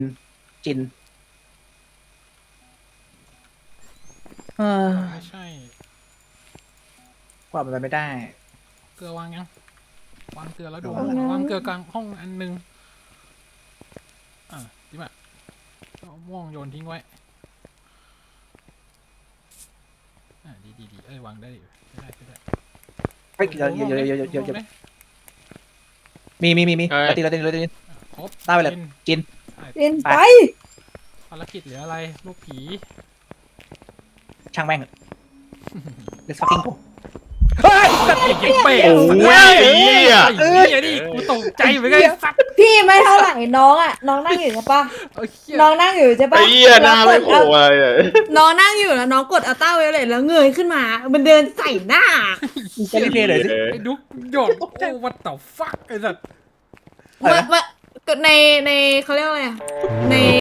จินไม่ใช่กว่ามันไปไม่ได้เกลือวางยังวางเกลือแล้วดูวางแล้ววางเกลือกลางห้องอันนึงจิมะเอาม่วงโยนทิ้งไว้ดีวางได้อยู่ได้เฮ้ยเดี๋ยวมีเราตีครบได้ไปเลยจินเล่นไปไปภารกิจเหลืออะไรลูกผีช่างแม่ง let's fucking go เฮ้ยเก็บเป๊ะโอ้ยไอ้เหี้ยนี่กูตกใจเหมือนกันสัตว์พี่ไม่เท่าไหร่น้องอ่ะน้องนั่งอยู่ใช่ปะ น้องนั่งอยู่ใช่ปะไอ้เหี้ยหน้าไม่โผล่อะไรเลยน้องนั่งอยู่แล้วน้องกดอัลต้าไวโอเลตแล้วเงยขึ้นมา มันเดินใส่หน้าจะรีเพย์เลยสิไอ้ดุ๊กหยอดโอ้วัดต่อฟักไอ้สัตว์อะไรนะในเขาเรียกว่าอะไรอะใน